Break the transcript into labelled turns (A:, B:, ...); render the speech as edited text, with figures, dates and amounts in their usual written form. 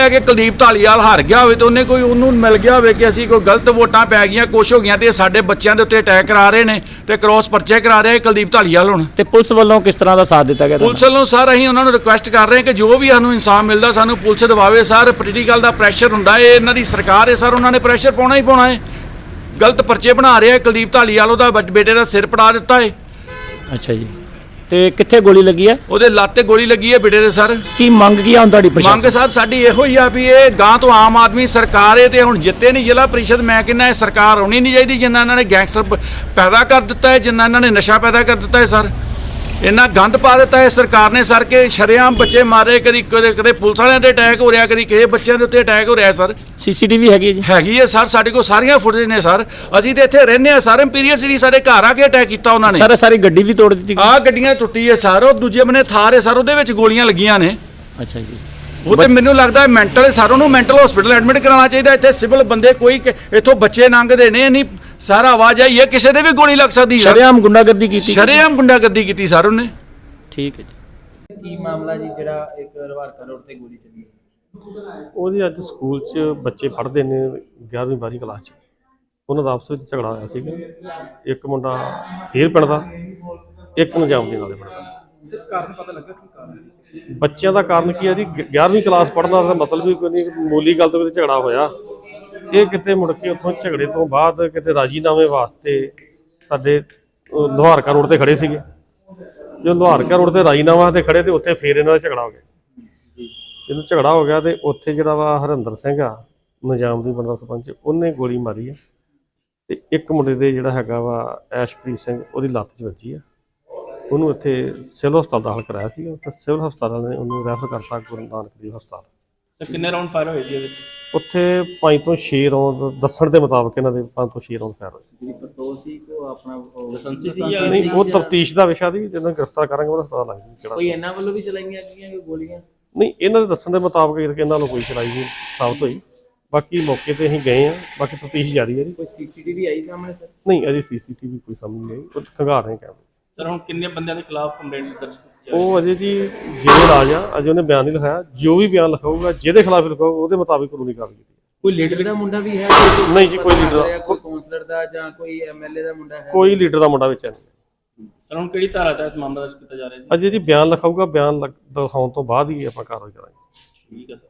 A: है कि कुलदीप ढालीवाल हार गया हो तो उन्हें कोई उन्होंने मिल गया हो कि असीं कोई गलत वोटां पै गई कुछ हो गई तो साडे बच्चों के उत्ते अटैक करा रहे हैं तो क्रॉस परचे करा रहे हैं कुलदीप ढालीवाल हुण।
B: ਤੇ ਪੁਲਿਸ ਵੱਲੋਂ ਕਿਸ ਤਰ੍ਹਾਂ ਦਾ ਸਾਥ ਦਿੱਤਾ ਗਿਆ
A: पुलिस वालों सर असीं उन्होंने रिक्वेस्ट कर रहे हैं कि जो भी सानूं इंसाफ मिलता सानूं पुलिस दवावे सर। पोलीटिकल का प्रैशर हुंदा है, इन्हां दी सरकार है सर, उन्होंने प्रैशर पाउणा ही पाउणा है। गलत परचे बना रहे हैं, कुलदीप ढालीवाल उहदा बेटे का सिर पड़ा दिता है।
B: ਅੱਛਾ ਜੀ, ਤੇ ਕਿੱਥੇ ਗੋਲੀ ਲੱਗੀ ਹੈ?
A: ਉਹਦੇ ਲੱਤ ਤੇ ਗੋਲੀ ਲੱਗੀ ਹੈ ਬੇਟੇ ਦੇ ਸਰ।
B: ਕੀ ਮੰਗ ਕੀ ਆ ਹੁਣ ਤੁਹਾਡੀ ਪ੍ਰਸ਼ਾਸਨ?
A: ਮੰਗ ਸਰ ਸਾਡੀ ਇਹੋ ਹੀ ਆ ਵੀ ਇਹ ਗਾਂ ਤੋਂ ਆਮ ਆਦਮੀ ਸਰਕਾਰ ਹੈ ਤੇ ਹੁਣ ਜਿੱਤੇ ਨਹੀਂ ਜ਼ਿਲ੍ਹਾ ਪ੍ਰੀਸ਼ਦ, ਮੈਂ ਕਹਿੰਦਾ ਇਹ ਸਰਕਾਰ ਹੋਣੀ ਨਹੀਂ ਚਾਹੀਦੀ ਜਿੰਨਾ ਇਹਨਾਂ ਨੇ ਗੈਂਗਸਟਰ ਪੈਦਾ ਕਰ ਦਿੱਤਾ ਹੈ, ਜਿੰਨਾ ਇਹਨਾਂ ਨੇ ਨਸ਼ਾ ਪੈਦਾ ਕਰ ਦਿੱਤਾ ਹੈ ਸਰ। ਇੰਨਾ ਗੰਦ ਪਾ ਦਿੱਤਾ ਹੈ ਸਰਕਾਰ ਨੇ ਸਰ ਕਿ ਸ਼ਰੇਆਮ ਬੱਚੇ ਮਾਰੇ, ਕਦੀ ਕਦੇ ਪੁਲਿਸ ਵਾਲਿਆਂ ਤੇ ਅਟੈਕ ਹੋ ਰਿਹਾ, ਕਦੀ ਕਿਸੇ ਬੱਚਿਆਂ ਦੇ ਉੱਤੇ ਅਟੈਕ ਹੋ ਰਿਹਾ ਸਰ।
B: ਸੀਸੀਟੀਵੀ ਹੈਗੀ ਜੀ?
A: ਹੈਗੀ ਹੈ ਸਰ, ਸਾਡੇ ਕੋਲ ਸਾਰੀਆਂ ਫੁਟੇਜ ਨੇ ਸਰ। ਅਸੀਂ ਤੇ ਇੱਥੇ ਰਹਿੰਦੇ ਆ ਸਰ, ਇੰਪੀਰੀਅਲ ਸਿਟੀ ਸਾਡੇ ਘਰ ਆ ਕੇ ਅਟੈਕ ਕੀਤਾ ਉਹਨਾਂ ਨੇ।
B: ਸਰ ਸਾਰੀ ਗੱਡੀ ਵੀ ਤੋੜ ਦਿੱਤੀ?
A: ਆਹ ਗੱਡੀਆਂ ਟੁੱਟੀ ਹੈ ਸਰ, ਉਹ ਦੂਜੇ ਬੰਨੇ ਥਾਰ ਹੈ ਸਰ, ਉਹਦੇ ਵਿੱਚ ਗੋਲੀਆਂ ਲੱਗੀਆਂ ਨੇ।
B: ਅੱਛਾ ਜੀ,
A: ਉਹ ਤੇ ਮੈਨੂੰ ਲੱਗਦਾ ਮੈਂਟਲ ਸਰ, ਉਹਨੂੰ ਮੈਂਟਲ ਹਸਪੀਟਲ ਐਡਮਿਟ ਕਰਾਉਣਾ ਚਾਹੀਦਾ। ਇੱਥੇ ਸਿਵਲ ਬੰਦੇ ਕੋਈ ਇੱਥੋਂ ਬੱਚੇ ਲੰਘਦੇ ਨੇ, ਨਹੀਂ ਸਾਰਾ ਆਵਾਜ਼ ਆਈ ਹੈ ਕਿਸੇ ਦੇ ਵੀ ਗੋਲੀ ਲੱਗ ਸਕਦੀ ਹੈ।
B: ਸ਼ਰੇਆਮ ਗੁੰਡਾਗਰਦੀ ਕੀਤੀ?
A: ਸ਼ਰੇਆਮ ਗੁੰਡਾਗਰਦੀ ਕੀਤੀ ਸਰ ਉਹਨੇ।
B: ਠੀਕ ਹੈ ਜੀ।
C: ਕੀ ਮਾਮਲਾ ਜੀ ਜਿਹੜਾ ਇੱਕ ਰਵਾਰਕਾ ਰੋਡ ਤੇ ਗੋਲੀ ਚੱਲੀ?
D: ਉਹਦੀ ਅੱਜ ਸਕੂਲ 'ਚ ਬੱਚੇ ਪੜ੍ਹਦੇ ਨੇ 11ਵੀਂ 12ਵੀਂ ਕਲਾਸ 'ਚ, ਉਹਨਾਂ ਦਾ ਆਪਸ ਵਿੱਚ ਝਗੜਾ ਹੋਇਆ ਸੀਗਾ। ਇੱਕ ਮੁੰਡਾ ਫੇਰ ਪਿੰਡ ਦਾ, ਇੱਕ ਨਜਾਮ ਦੇ ਨਾਲੇ ਪਿੰਡ ਦਾ।
C: ਸਰ ਕਾਰਨ ਪਤਾ ਲੱਗਾ ਕੀ ਕਾਰਨ ਸੀ?
D: ਬੱਚਿਆਂ ਦਾ ਕਾਰਨ ਕੀ ਹੈ ਜੀ, 11ਵੀਂ ਕਲਾਸ ਪੜ੍ਹਨਾ ਦਾ ਮਤਲਬ ਵੀ ਕੋਈ ਨਹੀਂ, ਮਾਮੂਲੀ ਗੱਲ ਤੋਂ ਕਿਤੇ ਝਗੜਾ ਹੋਇਆ। ਇਹ ਕਿਤੇ ਮੁੜ ਕੇ ਉੱਥੋਂ ਝਗੜੇ ਤੋਂ ਬਾਅਦ ਕਿਤੇ ਰਾਜੀਨਾਮੇ ਵਾਸਤੇ ਸਾਡੇ ਲੁਹਾਰਕਾ ਰੋਡ ਤੇ ਖੜੇ ਸੀਗੇ। ਜੋ ਲੁਹਾਰਕਾ ਰੋਡ ਤੇ ਰਾਜੀਨਾਮਾ ਤੇ ਖੜੇ ਤੇ ਉੱਥੇ ਫੇਰ ਇਹਨਾਂ ਦਾ ਝਗੜਾ ਹੋ ਗਿਆ। ਜਦੋਂ ਝਗੜਾ ਹੋ ਗਿਆ ਤੇ ਉੱਥੇ ਜਿਹੜਾ ਵਾ ਹਰਿੰਦਰ ਸਿੰਘ ਆ ਨਿਜ਼ਾਮ ਦੀ ਬੰਦਾ ਸਰਪੰਚ, ਉਹਨੇ ਗੋਲੀ ਮਾਰੀ ਹੈ ਤੇ ਇੱਕ ਮੁੰਡੇ ਦੇ ਜਿਹੜਾ ਹੈਗਾ ਵਾ ਐਸ਼ਪ੍ਰੀਤ ਸਿੰਘ, ਉਹਦੀ ਲੱਤ 'ਚ ਵੱਜੀ ਆ। ਉਹਨੂੰ ਇੱਥੇ ਸਿਵਲ ਹਸਪਤਾਲ ਦਾਖਲ ਕਰਾਇਆ ਸੀ ਤੇ ਸਿਵਲ ਹਸਪਤਾਲ ਨੇ ਉਹਨੂੰ ਰੈਫਰ ਕਰਤਾ ਗੁਰੂ ਨਾਨਕ ਦੇਵ ਹਸਪਤਾਲ।
C: ਸਰ ਕਿੰਨੇ ਰਾਉਂਡ ਫਾਇਰ ਹੋਏ ਜੀ ਇਹਦੇ ਵਿੱਚ?
D: ਉੱਥੇ 5 ਤੋਂ 6 ਰੌਂਦ ਦੱਸਣ ਦੇ ਮੁਤਾਬਕ ਇਹਨਾਂ ਦੇ 5 ਤੋਂ 6 ਰੌਂਦ ਫਾਇਰ ਹੋਏ।
C: ਜਿਹੜੀ ਪਿਸਤੌਲ ਸੀ ਕੋ ਆਪਣਾ ਲਾਇਸੈਂਸੀ ਸੀ
D: ਨਹੀਂ, ਉਹ ਤਫਤੀਸ਼ ਦਾ ਵਿਸ਼ਾ ਦੀ, ਜਦੋਂ ਗ੍ਰਿਫਤਾਰ ਕਰਾਂਗੇ ਉਹਦਾ ਪਤਾ ਲੱਗ ਜੂ ਕਿਹੜਾ।
C: ਕੋਈ ਇਹਨਾਂ ਵੱਲੋਂ ਵੀ ਚਲਾਈਆਂ ਗਈਆਂ ਗੋਲੀਆਂ?
D: ਨਹੀਂ, ਇਹਨਾਂ ਦੇ ਦੱਸਣ ਦੇ ਮੁਤਾਬਕ ਇਹਨਾਂ ਨੂੰ ਕੋਈ ਚਲਾਈ ਨਹੀਂ ਸਾਬਤ ਹੋਈ। ਬਾਕੀ ਮੌਕੇ ਤੇ ਅਸੀਂ ਗਏ ਆ, ਬਾਕੀ ਤਫਤੀਸ਼ ਜਾਰੀ ਹੈ ਜੀ।
C: ਕੋਈ ਸੀਸੀਟੀਵੀ ਆਈ ਸਾਹਮਣੇ ਸਰ?
D: ਨਹੀਂ, ਅਜੇ ਸੀਸੀਟੀਵੀ ਕੋਈ ਸਾਹਮਣੇ ਨਹੀਂ ਆਈ, ਉਹ ਖੰਗਾਰ ਰਹੇ ਕੈਮਰੇ।
C: ਸਰ ਹੁਣ ਕਿੰਨੇ ਬੰਦਿਆਂ ਦੇ ਖਿਲਾਫ ਕੰਪਲੇਂਟ ਦਰਜ ਕੀਤੀ?
D: ਉਹ ਅਜੇ ਜੀ ਜਿਹੜੇ ਰਾਜ ਆ, ਅਜੇ ਉਹਨੇ ਬਿਆਨ ਨਹੀਂ ਲਿਖਾਇਆ। ਜੋ ਵੀ ਬਿਆਨ ਲਿਖਾਊਗਾ, ਜਿਹਦੇ ਖਿਲਾਫ ਲਿਖਾਊਗਾ, ਉਹਦੇ ਮੁਤਾਬਿਕ ਕਾਨੂੰਨੀ ਕਾਰਵਾਈ ਕੀਤੀ।
C: ਕੋਈ ਲੀਡਰ ਦਾ ਮੁੰਡਾ ਵੀ ਹੈ?
D: ਨਹੀਂ ਜੀ, ਕੋਈ ਲੀਡਰ,
C: ਕੋਈ ਕਾਉਂਸਲਰ ਦਾ ਜਾਂ ਕੋਈ ਐਮਐਲਏ ਦਾ ਮੁੰਡਾ ਹੈ?
D: ਕੋਈ ਲੀਡਰ ਦਾ ਮੁੰਡਾ ਵਿੱਚ ਨਹੀਂ।
C: ਸਰ ਹੁਣ ਕਿਹੜੀ ਧਾਰਾ ਤਹਿਤ ਮਾਮਲਾ ਦਰਜ ਕੀਤਾ ਜਾ ਰਿਹਾ ਜੀ?
D: ਅਜੇ ਜੀ ਬਿਆਨ ਲਿਖਾਊਗਾ, ਬਿਆਨ ਦਿਖਾਉਣ ਤੋਂ ਬਾਅਦ ਹੀ ਆਪਾਂ ਕਾਰਵਾਈ ਕਰਾਂਗੇ।
C: ਠੀਕ ਹੈ ਸਰ।